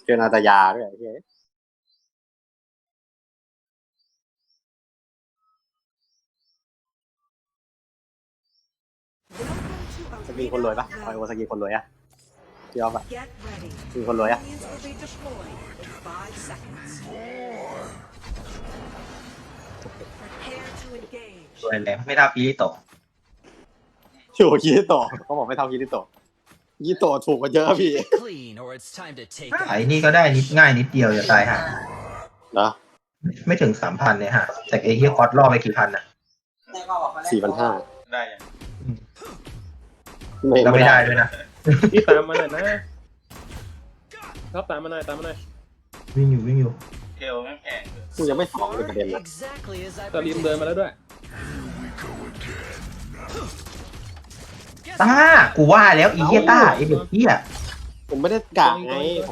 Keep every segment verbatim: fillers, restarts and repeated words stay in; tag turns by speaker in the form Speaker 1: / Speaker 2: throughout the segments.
Speaker 1: เจอนาตายาด้วยไอ้เหี้ยสกีคนรวยปะคอยโอสกีคนรวยอะพี่ออฟอะมีคนรวยอะ
Speaker 2: สวยแหลมไม่ได้ปีโต
Speaker 1: อยู่คิริโตะเขาบอกไม่เท่าคิริโตะคิริโตะถูกกว่าเยอะพี่
Speaker 2: ไอ้นี่ก็ได้นิดง่ายนิดเดียวจะตายห่า
Speaker 1: นะ
Speaker 2: ไม่ถึงสามพันเนี่ยฮะแต่ไอ้เฮียคอร์สล่อไปกี่พันอ่ะ
Speaker 1: สี่พันห้า
Speaker 3: ได้ยัง
Speaker 2: แล้วไม่ได้ด้วยนะ
Speaker 4: พี่ตามมาหน่อยนะครับตามมาหน่อยตามมาหน่อย
Speaker 2: วิ่งอยู่วิ่งอยู่
Speaker 3: เทลแม่งแพงเลย
Speaker 1: กูยังไม่สองเลยประเด็นนะ
Speaker 4: ตาลิมเดินมาแล้วด้วย
Speaker 2: ต้ากูว่าแล้วไอ้เฮียต้าไอ้เด็กเฮีย
Speaker 1: ผมไม่ได้กะไงผม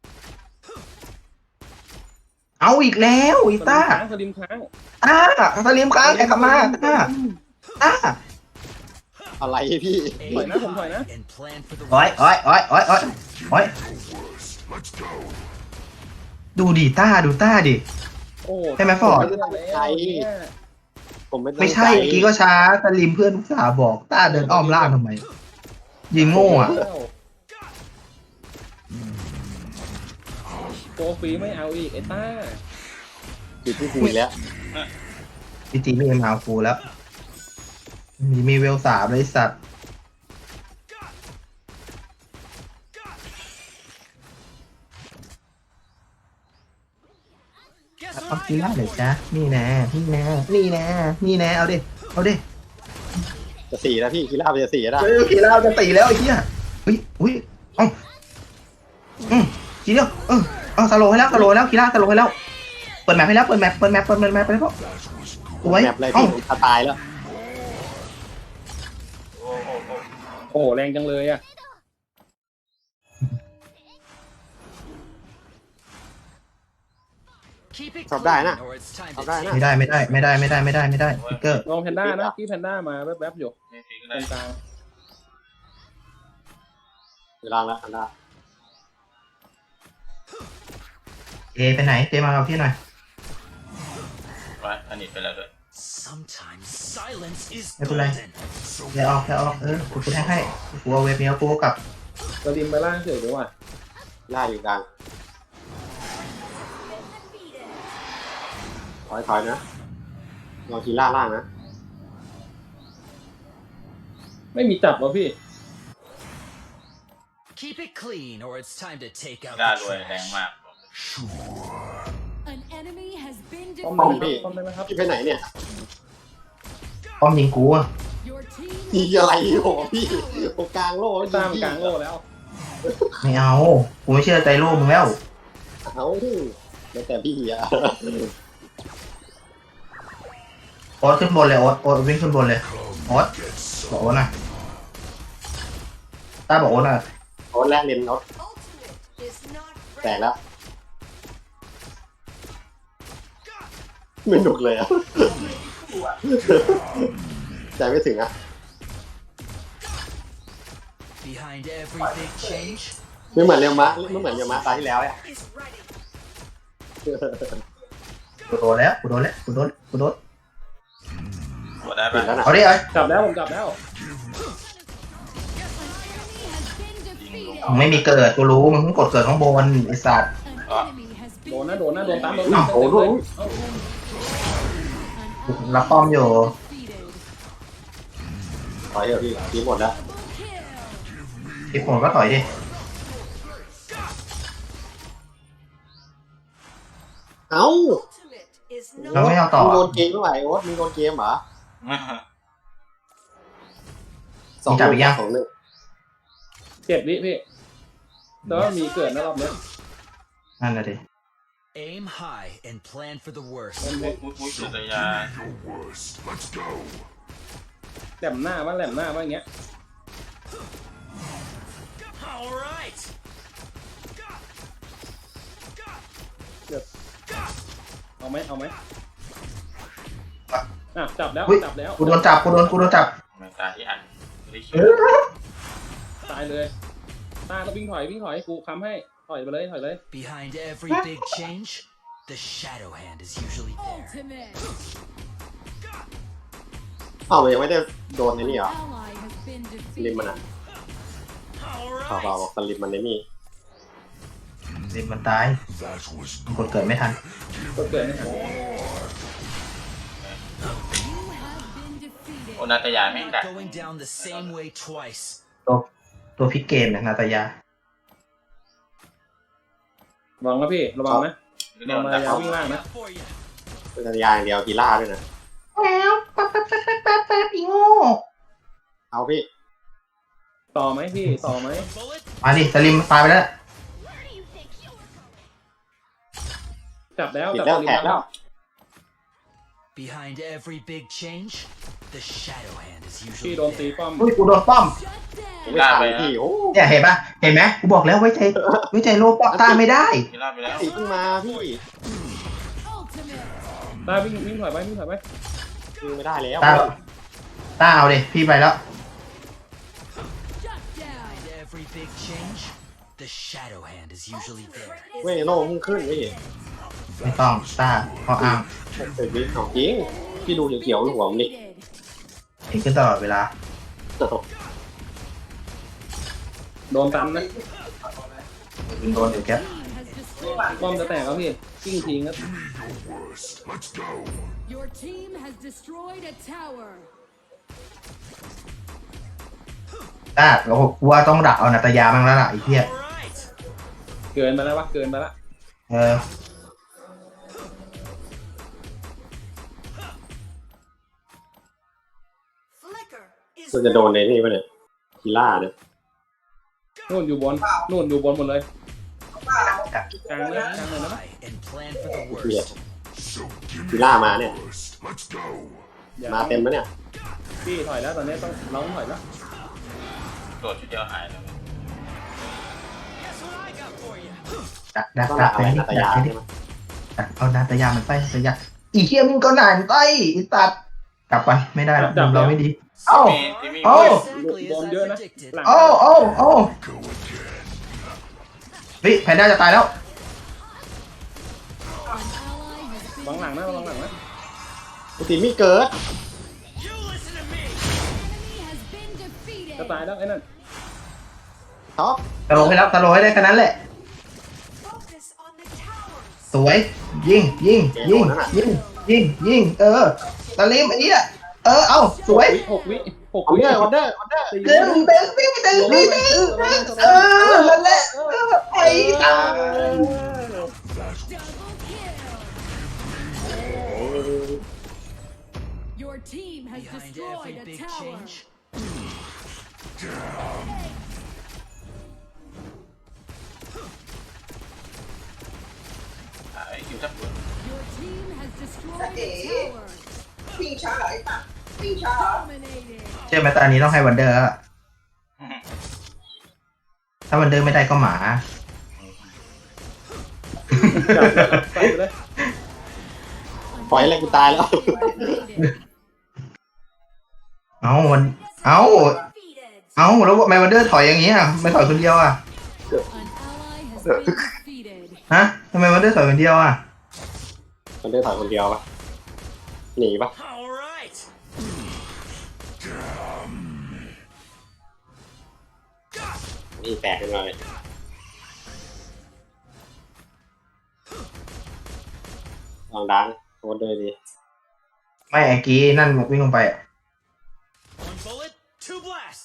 Speaker 2: เอาอีกแล้วไอ้ต้า
Speaker 4: ตาลิมค้าง
Speaker 2: ต้าสลิมค้างไอ้กลับมาต้าต้า
Speaker 1: อะไรพี่
Speaker 4: ถอยนะผมถอยนะ
Speaker 2: โอ้ยโอ้ยโอ้ยโอ้ยโอ้ยโอ้ยดูดิต้าดูต้าดิ
Speaker 4: โอ้
Speaker 2: ใช่ไหมฟอร์ด
Speaker 1: ใช่ผมไม่
Speaker 2: ไม่ใช่เมื่อกี้ก็ช้าสลิมเพื่อนอุตส่าห์บอกต้าเดินอ้อมล่างทำไมยิงโง่อะ
Speaker 4: โกฟรีไม่เอาอีกไอ้ต้า
Speaker 1: จุดที่คุยแล้ว
Speaker 2: จริงๆไม่เอ็มเอาฟูแล้วมีมีเวลสามเลยสัตว์เอากีฬาเลยจ้ะนี่แน่นี่แน่นี่แน่นี่แน่เอาดิเอาดิ
Speaker 1: จะสี่แล้วพี่คิราบจะสี่แล้ว
Speaker 2: เฮ้ยกีฬาจะตีแล้วไอ้เหี้ยเฮ้ยอุ้ยเอ้าอืมทีเดียวเออเอาสโลให้แล้วสโลให้แล้วกีฬาสโลให้แล้วเปิดแมปให้แล้วเปิดแมปเปิดแมปเปิดแมปไปแล้วสวย
Speaker 1: แมปอะไร
Speaker 2: เอ้า
Speaker 1: พี่ตายแล้ว
Speaker 3: โอ้โห
Speaker 4: โอ้แรงจังเลยอ่ะ
Speaker 1: ชอบได้นะชอบได้นะ
Speaker 2: ไม่ได้ไม่ได้ไม่ได้ไม่ได้ไม่ได้ไม่ได้พิกเกอร์
Speaker 4: ลองแพนด้านะพี่แพนด้ามาแวบๆอยู่
Speaker 3: ไม่ทิ้ง
Speaker 4: ต
Speaker 3: ได้
Speaker 4: รงกลาง
Speaker 1: เวลาแล้วอันละ
Speaker 2: เอไปไหนเจมาเอาพี่หน่อย
Speaker 3: ไปอันนี้ไปแล้วด้วย
Speaker 2: ไม่เป็นไรแค่ออกแค่ออกเออกูกูแทงให้กูเอาเวฟเนี้ยกูเอากลับ
Speaker 4: ตาลิมไปล่างเฉยดีกว่า
Speaker 1: ล่าอยู่กลางถอยถอยนะลองคีล่าล่างนะ
Speaker 4: ไม่มีจับวะพี่
Speaker 3: ได้รวยแรงมาก
Speaker 4: ป้อม
Speaker 1: ป้อม
Speaker 4: ได้
Speaker 1: พี่
Speaker 4: ป้อมได้ไหมครับ
Speaker 1: พี่ไปไหนเนี่ย
Speaker 2: ป้อมยิงกูอะ
Speaker 1: มีอะไรโหพี่ตรงกลางโลก
Speaker 4: ตามกลางโลแล้ว
Speaker 2: ไม่เอากูไม่เชื่อใจโลกมึงแล้ว
Speaker 1: เอาแล้วแต่พี่อะ
Speaker 2: โอ๊ตขึ้นบนเลยโอ๊ตโอ๊ตวิ่งขึ้นบนเลยโอ๊ตบอกโอ๊ตนะต้าบอกโอ๊ตนะ
Speaker 1: โอ๊ตแรกเรียนโอ๊ตแตกแล้วไม่หนุกเลยอะใจไม่ถึงอะไม่เหมือนเรียวมะไม่เหมือนเรียวมะตาที่แล้วอะ
Speaker 2: กูโดนแล้วกูโดนแล้วกูโดนกูโดน
Speaker 3: กดได้
Speaker 1: ติ
Speaker 3: ปะ
Speaker 1: ดแล้วนะ
Speaker 2: เอาดิเอ้ย
Speaker 4: จับแล้วผมจับแล้ว
Speaker 2: มึงไม่มีเกิดกูรู้มึงเพิ่งกดเกิดข้างบนไอ้สัตว์
Speaker 4: โดนนะโดนนะโดนตามโดน
Speaker 2: อ้าว
Speaker 4: โอ้โห
Speaker 2: รับป้อมอยู่
Speaker 1: ถอยเถอะพี่ทีหมดแล้ว
Speaker 2: ที่ผมก็ถอยดิ
Speaker 1: เอ้า
Speaker 2: เราไม่เอาต่อ
Speaker 1: มึงโดนเกมเมื่อไหร่โอ๊ตมึงโดนเกมเหรอสองหนึ่งสองหนึ่ง
Speaker 4: เจ็ดวิพี่แต่ว่ามีเกิดนะรอบเนี้ย
Speaker 2: นั่นแหละดิ
Speaker 5: Aim high and plan for the worst.
Speaker 3: มุกมุกมุกสุดยา
Speaker 4: แหลมหน้าว่าแหลมหน้าว่าอย่างเงี้ย
Speaker 5: All right.
Speaker 4: เอาไหมเอาไหมอ่ะจับแล้ว
Speaker 2: อุ๊ย
Speaker 4: จับแล้ว
Speaker 2: กูโดนจับกูโดนกูโดนจับ
Speaker 3: แมงตาที่อันไม่คิด
Speaker 4: ตายเลยตาก็วิ่งถอยวิ่งถอยกูค้ำให้ถถอยไปเลยถอยเลย
Speaker 5: Behind every big change, the shadow hand is usually there.
Speaker 6: Ultimate.
Speaker 1: อ้าวมันยังไม่ได้โดนในนี่เหรอ
Speaker 6: Ally has been
Speaker 1: ลิมมัน
Speaker 6: defeated.
Speaker 1: อ่ะเปล่าเปล่าบอกสลิมมันในนี่
Speaker 2: สิบมันตายกดเกิดไม่ทัน
Speaker 4: ก็เกิดไม่ทัน
Speaker 6: You have been defeated.
Speaker 3: โอนาตยาไม่งกัด
Speaker 5: Going down the same way twice.
Speaker 2: ตัวตัวพลิกเกมเนี่ยนาตายา
Speaker 4: ระวังนะพี่ระวังนะ
Speaker 3: เดี๋ยว
Speaker 4: มา
Speaker 3: ดัก
Speaker 4: ยา
Speaker 3: เขา
Speaker 4: วิ่งล่างนะ
Speaker 5: For you.
Speaker 1: เป็นสัญญาอย่างเดียวกีฬาด้วยนะ
Speaker 2: แล้วแป๊บแป๊บแป๊บแป๊บแป๊บแป๊บอีโง่
Speaker 1: เอาพี่
Speaker 4: ต่อไหมพี่ต่อไหม
Speaker 5: Bullet.
Speaker 2: มาดิสลิมตายไปแล้ว
Speaker 4: จับแล้ว
Speaker 1: ติด
Speaker 4: จับ
Speaker 1: แล้ว
Speaker 4: ลิ
Speaker 1: แข
Speaker 4: ม
Speaker 1: กแล้ว
Speaker 5: Behind every big change, the shadow hand is
Speaker 4: พี่
Speaker 5: usually
Speaker 4: โดนตี
Speaker 5: there.
Speaker 4: ป้อม
Speaker 2: อุ้ยกูโดนป้อม
Speaker 6: Shut down.
Speaker 1: ไม่ทันพี่โอ้
Speaker 2: เนี่ยเห็นปะเห็นไหมกูบอกแล้วไว้ใจไว้ใจโลป้อมต้านไม่ได้
Speaker 3: กีฬาไปแล้ว
Speaker 1: ตีขึ้นมาพี่
Speaker 6: Ultimate.
Speaker 4: ตาวิ่งวิ่งถอยไปวิ่งถอยไป
Speaker 1: คือไม่ได้แล้ว
Speaker 2: ต้าต้าเอาดิพี่ไปแล้ว
Speaker 6: Shut down.
Speaker 5: Behind every big change, the shadow hand is usually there.
Speaker 1: เว้ยโล่มึงขึ้นพี่
Speaker 2: ไม่ต้องต้าเขาอ้าง
Speaker 1: เสร็จพี่ของจริงพี่ดูเขียวๆหัวมันนี่
Speaker 6: Defeated.
Speaker 2: เห็นขึ้นตลอดเวลา
Speaker 4: โดนตันนะ
Speaker 2: ยิงโดนอยู่แค่
Speaker 6: Team has destroyed.
Speaker 4: ป้อมจะแตกแล้วพี่กิ้งทิ้งครับ
Speaker 6: Your team has destroyed a tower.
Speaker 2: ต้าเรากูว่าต้องดักเอานาตายาบ้างแล้วล่ะไอ้เหี้ย
Speaker 5: Alright.
Speaker 4: เกินไปแล้ววะเกินไปแล้ว
Speaker 2: เออ
Speaker 1: มันจะโดนในนี่ปะเนี่ยกีฬาเนี่ย
Speaker 4: นู่นอยู่บนนู่นอยู่บนหมดเลยกลางเลยกลางเลยนะ
Speaker 5: High and plan for the
Speaker 1: เกลียด
Speaker 5: worst.
Speaker 1: กีฬามาเนี่ย
Speaker 4: อย่
Speaker 1: มาเต็มปะเนี่ย
Speaker 4: พี่ถอยแล้วตอนนี้ต้องเราต้องถอยแล้ว
Speaker 3: โดดชุดเดียวหายเลย
Speaker 5: Guess what I got for you.
Speaker 2: ดักดัก
Speaker 1: ต้อง
Speaker 2: ดั
Speaker 1: ดั
Speaker 2: ก
Speaker 1: ก
Speaker 2: ไป
Speaker 1: อะไร
Speaker 2: นี่
Speaker 1: นาต
Speaker 2: ดั
Speaker 1: ยาก
Speaker 2: ไปนี่
Speaker 1: ใช่ไหม
Speaker 2: ดักเอานาตายามันไปนาตายาอีเหี้ยมึงก็หนานไปอีตัดกลับไปไม่ได้แล้วมุมเราไม่ดีเอ้า
Speaker 3: มีที่มี
Speaker 2: โอ้
Speaker 5: Exactly
Speaker 4: โด
Speaker 5: as
Speaker 4: น
Speaker 5: I
Speaker 4: เยอะนะ
Speaker 5: predicted.
Speaker 4: หลัง
Speaker 2: โอ้โอ้โอ้เฮ้ยแพนด้าจะตายแล้ว
Speaker 6: An ally has been
Speaker 4: วางหลังนะวางหลังนะ
Speaker 1: กูตีไม่เกิด
Speaker 5: You listen to me.
Speaker 6: enemy has been defeated.
Speaker 4: จะตายแล้วไอ้นั่น
Speaker 1: ท็อป
Speaker 2: ตะโลให้แล้วตะโลให้ได้แค่นั้นแหละ
Speaker 6: Focus on the tower.
Speaker 2: สวย ยิงยิงยิงยิงยิงยิงเออตะลิมไอ้เนี่ยเออเอาสวย
Speaker 4: หกวิหก
Speaker 1: ออ
Speaker 4: วิ
Speaker 1: เดอร์ออเดอร์ออเดอร์
Speaker 2: เดินเดินวิ่งเดินวิ่งเดินเออนั่นแหละไอ้ตา
Speaker 6: Double kill. Your team has
Speaker 5: Behind
Speaker 6: destroyed
Speaker 5: every
Speaker 6: a
Speaker 5: big
Speaker 6: tower.
Speaker 5: change,
Speaker 3: หายคิวจับปืน
Speaker 6: Your team has destroyed a tower.
Speaker 7: วิ่งช้าเหรอไอ้ตัดวิ่งช้าเหรอ
Speaker 6: Dominated.
Speaker 2: เชื่อไหมตอนนี้ต้องให้วันเดอร์อะถ้าวันเดอร์ไม่ได้ก็หมา
Speaker 4: จับไปเลย
Speaker 1: ปล่อยอะไรกูตายแล้ว
Speaker 6: Dominated.
Speaker 2: เอาวันเอา
Speaker 6: Defeated.
Speaker 2: เอาแล้วทำไมวันเดอร์ถอยอย่างนี้อ่ะไม่ถอยคนเดียวอ่ะ
Speaker 6: An ally has been defeated.
Speaker 2: ฮะทำไมวันเดอร์ถอยคนเดียวอ่ะ
Speaker 1: มันได้ถอยคนเดียวปะหนีปะ
Speaker 5: alright.
Speaker 1: นี่แตกขึ้นมาเลยลองดังโคตรเลยดี
Speaker 2: ไม่ไอ้กี้นั่นวิ่งลงไปอ่ะ
Speaker 5: One bullet, two blasts.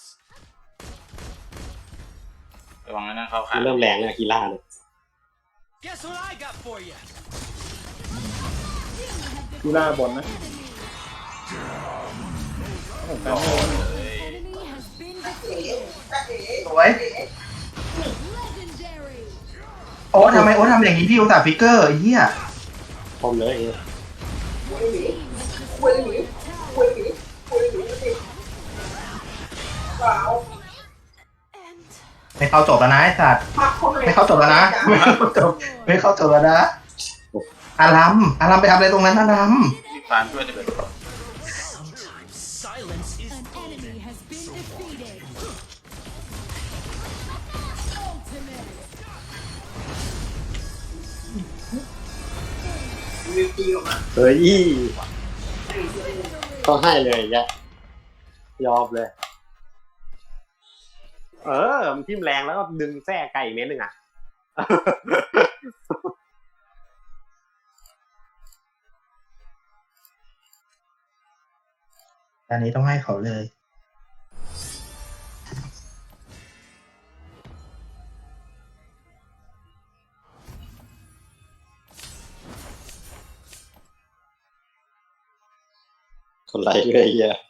Speaker 3: ระวังนะเข้าขา
Speaker 1: มันเริ่มแรงเลยกีฬาเนี่ย
Speaker 5: Guess what I got for you.
Speaker 4: ดูหน้าบนนะโอ้โหการโดน
Speaker 6: Enemy has been defeated.
Speaker 2: สวย
Speaker 6: Legendary.
Speaker 2: โอ้ทำไมโอ้ทำอย่างนี้พี่อุตส่าห์ฟิกเกอร์ไอ้เหี้ย
Speaker 1: คมเลย
Speaker 6: Team has
Speaker 7: คุย
Speaker 6: destroyed
Speaker 7: หนี
Speaker 6: a
Speaker 7: คุย
Speaker 6: tower.
Speaker 7: หนีคุยหนีสิเปล่า
Speaker 2: ไม่เข้าจบแล้วนะไอ้สัตว์
Speaker 7: พักคนเลย
Speaker 2: ไม่เข้าจบแล้วนะไม่เข้าจบไม่เข้าจบแล้วนะอารัมอารัมไปทำอะไรตรงนั้นอารัม
Speaker 3: มีฟาร์มช่วยจะเป็น
Speaker 5: Sometimes silence is
Speaker 6: An enemy has been defeated. Ultimate.
Speaker 1: เฮ้ยต้องให้เลยแกยอมเลย เออมันทิ่มแรงแล้วก็ดึงแส้ไก่เม็ดหนึ่งอ่ะ
Speaker 2: อันนี้ต้องให้เขาเลย
Speaker 1: คนไรเลยเฮีย